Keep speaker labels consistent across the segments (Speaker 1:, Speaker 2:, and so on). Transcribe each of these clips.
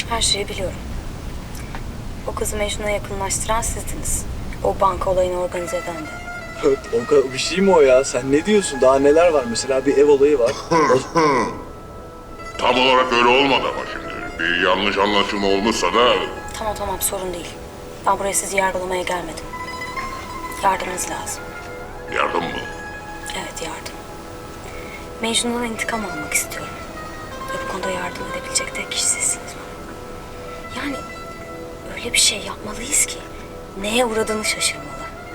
Speaker 1: Her şeyi biliyorum. O kızı Mecnun'a yakınlaştıran sizdiniz. O banka olayını organize eden de.
Speaker 2: Bir şey mi o ya? Sen ne diyorsun? Daha neler var? Mesela bir ev olayı var.
Speaker 3: Tam olarak öyle olmadı ama şimdi. Bir yanlış anlaşılma olmuşsa da...
Speaker 1: Tamam sorun değil. Ben buraya sizi yargılamaya gelmedim. Yardımınız lazım.
Speaker 3: Yardım mı?
Speaker 1: Evet yardım. Mecnun'dan intikam almak istiyorum. Ve bu konuda yardım edebilecek tek kişi sizsiniz bana. Yani öyle bir şey yapmalıyız ki neye uğradığını şaşırmalı.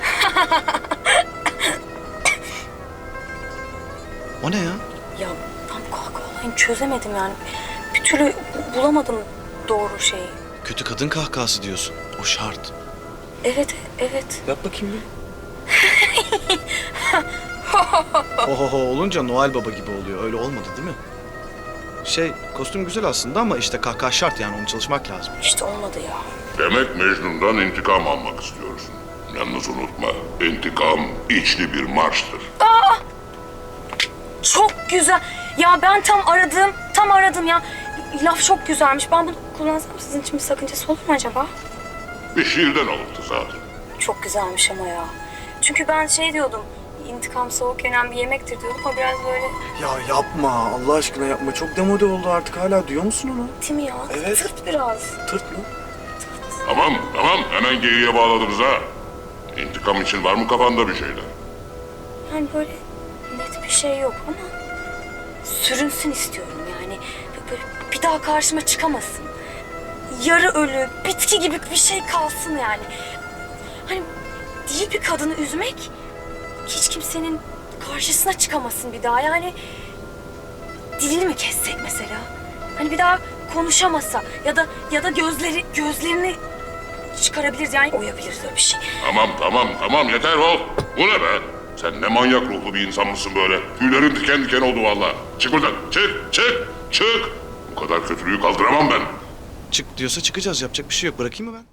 Speaker 4: O ne ya?
Speaker 1: Ya ben bu kahkaha olayını çözemedim yani. Bir türlü bulamadım doğru şeyi.
Speaker 4: Kötü kadın kahkahası diyorsun. O şart.
Speaker 1: Evet.
Speaker 2: Yap bakayım bir.
Speaker 4: Ho olunca Noel Baba gibi oluyor. Öyle olmadı değil mi? Kostüm güzel aslında ama işte kahkaha şart yani onu çalışmak lazım.
Speaker 1: İşte olmadı ya.
Speaker 3: Demek Mecnun'dan intikam almak istiyorsun. Yalnız unutma, intikam içli bir marştır.
Speaker 1: Çok güzel. Ya ben tam aradım ya. Laf çok güzelmiş. Ben bunu kullansam sizin için bir sakıncası olur mu acaba?
Speaker 3: Bir şiirden alıntı zaten.
Speaker 1: Çok güzelmiş ama ya. Çünkü ben diyordum. İntikam soğuk yenen bir yemektir diyordum ama biraz böyle...
Speaker 2: Ya yapma. Allah aşkına yapma. Çok demode oldu artık. Hala duyuyor musun onu?
Speaker 1: Değil mi ya?
Speaker 2: Evet.
Speaker 1: Tırt biraz.
Speaker 2: Tırt mı?
Speaker 3: Tamam, hemen geyiğe bağladınız ha. İntikam için var mı kafanda bir şeyler?
Speaker 1: Yani böyle net bir şey yok ama sürünsün istiyorum yani. Böyle bir daha karşıma çıkamasın. Yarı ölü, bitki gibi bir şey kalsın yani. Hani değil bir kadını üzmek, hiç kimsenin karşısına çıkamasın bir daha. Yani dilini mi kessek mesela? Hani bir daha konuşamasa ya da gözlerini çıkarabiliriz yani oyabiliriz öyle bir şey.
Speaker 3: Tamam yeter ol. Bu ne be? Sen ne manyak ruhlu bir insan mısın böyle? Tüylerin diken diken oldu vallahi. Çık buradan. Çık. Bu kadar kötülüğü kaldıramam ben.
Speaker 4: Çık diyorsa çıkacağız. Yapacak bir şey yok. Bırakayım mı ben?